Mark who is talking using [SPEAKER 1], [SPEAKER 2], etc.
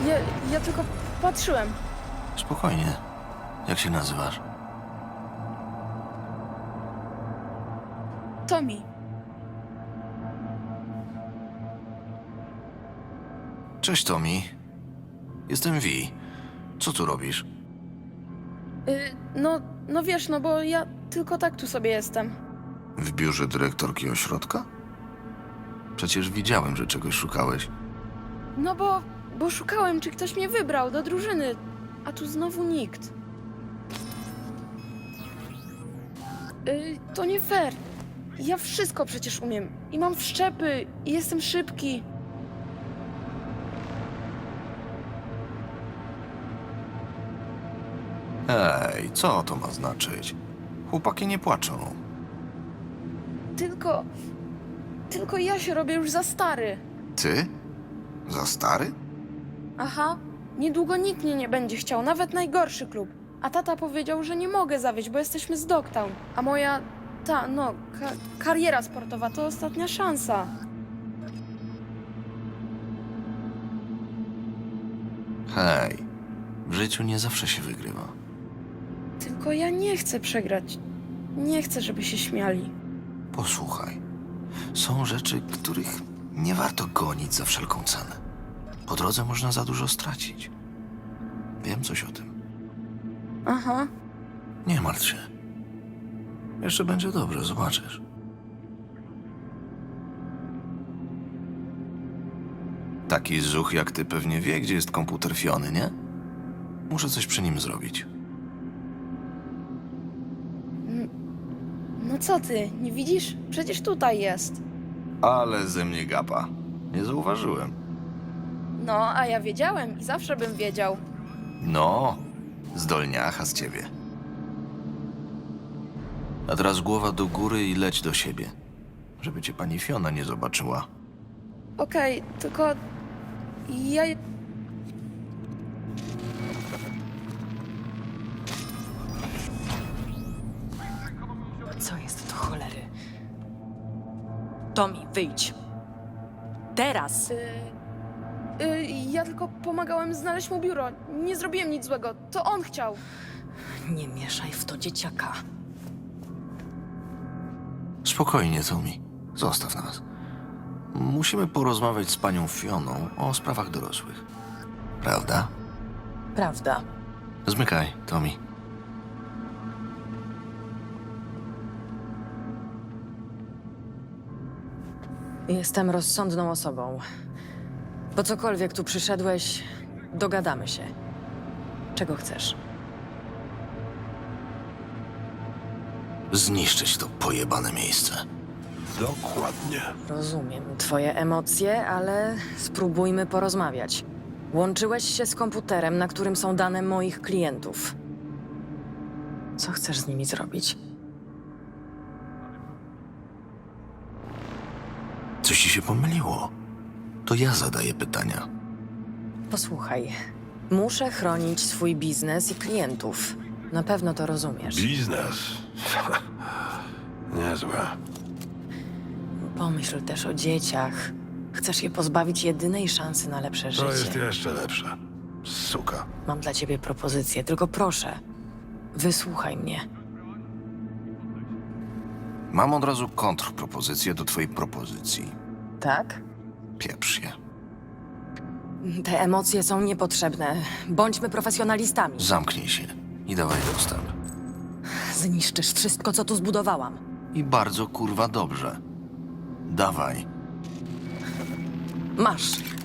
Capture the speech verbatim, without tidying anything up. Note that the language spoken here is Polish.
[SPEAKER 1] Ja, ja tylko patrzyłem.
[SPEAKER 2] Spokojnie. Jak się nazywasz?
[SPEAKER 1] Tommy.
[SPEAKER 2] Cześć, Tommy. Jestem Vi. Co tu robisz?
[SPEAKER 1] Y, no, no wiesz, no bo ja tylko tak tu sobie jestem.
[SPEAKER 2] W biurze dyrektorki ośrodka? Przecież widziałem, że czegoś szukałeś.
[SPEAKER 1] No bo, bo szukałem, czy ktoś mnie wybrał do drużyny, a tu znowu nikt. Y, to nie fair. Ja wszystko przecież umiem. I mam wszczepy, i jestem szybki.
[SPEAKER 2] Ej, co to ma znaczyć? Chłopaki nie płaczą.
[SPEAKER 1] Tylko... Tylko ja się robię już za stary.
[SPEAKER 2] Ty? Za stary?
[SPEAKER 1] Aha, niedługo nikt mnie nie będzie chciał, nawet najgorszy klub. A tata powiedział, że nie mogę zawieść, bo jesteśmy z Dogtown. A moja, ta, no, ka kariera sportowa to ostatnia szansa.
[SPEAKER 2] Hej, w życiu nie zawsze się wygrywa.
[SPEAKER 1] Tylko ja nie chcę przegrać. Nie chcę, żeby się śmiali.
[SPEAKER 2] Posłuchaj, są rzeczy, których nie warto gonić za wszelką cenę. Po drodze można za dużo stracić. Wiem coś o tym.
[SPEAKER 1] Aha,
[SPEAKER 2] Nie martw się. Jeszcze będzie dobrze, zobaczysz. Taki zuch jak ty pewnie wie, gdzie jest komputer Fiony, nie? Muszę coś przy nim zrobić.
[SPEAKER 1] no co ty, nie widzisz? Przecież tutaj jest.
[SPEAKER 2] Ale ze mnie gapa. Nie zauważyłem.
[SPEAKER 1] No, a ja wiedziałem i zawsze bym wiedział.
[SPEAKER 2] No, zdolniacha z ciebie. A teraz głowa do góry i leć do siebie. Żeby cię pani Fiona nie zobaczyła.
[SPEAKER 1] Okej, tylko... Ja...
[SPEAKER 3] Co jest do cholery? Tommy, wyjdź. Teraz!
[SPEAKER 1] Y, y, ja tylko pomagałem znaleźć mu biuro. Nie zrobiłem nic złego. To on chciał.
[SPEAKER 3] Nie mieszaj w to dzieciaka.
[SPEAKER 2] Spokojnie, Tommy. Zostaw nas. Musimy porozmawiać z panią Fioną o sprawach dorosłych. Prawda?
[SPEAKER 3] Prawda.
[SPEAKER 2] Zmykaj, Tommy.
[SPEAKER 3] Jestem rozsądną osobą. Po cokolwiek tu przyszedłeś, dogadamy się. Czego chcesz?
[SPEAKER 2] Zniszczyć to pojebane miejsce.
[SPEAKER 4] Dokładnie.
[SPEAKER 3] Rozumiem twoje emocje, ale spróbujmy porozmawiać. Łączyłeś się z komputerem, na którym są dane moich klientów. Co chcesz z nimi zrobić?
[SPEAKER 2] Coś ci się pomyliło. To ja zadaję pytania.
[SPEAKER 3] Posłuchaj, muszę chronić swój biznes i klientów. Na pewno to rozumiesz.
[SPEAKER 4] Biznes. Niezłe.
[SPEAKER 3] Pomyśl też o dzieciach. Chcesz je pozbawić jedynej szansy na lepsze
[SPEAKER 4] To jest
[SPEAKER 3] życie.
[SPEAKER 4] jeszcze lepsze. Suka.
[SPEAKER 3] Mam dla ciebie propozycję, tylko proszę, wysłuchaj mnie.
[SPEAKER 2] Mam od razu kontrpropozycję do twojej propozycji.
[SPEAKER 3] Tak?
[SPEAKER 2] Pieprz się.
[SPEAKER 3] Te emocje są niepotrzebne. Bądźmy profesjonalistami.
[SPEAKER 2] Zamknij się i dawaj dostęp.
[SPEAKER 3] Zniszczysz wszystko, co tu zbudowałam.
[SPEAKER 2] I bardzo kurwa dobrze. Dawaj.
[SPEAKER 3] Masz.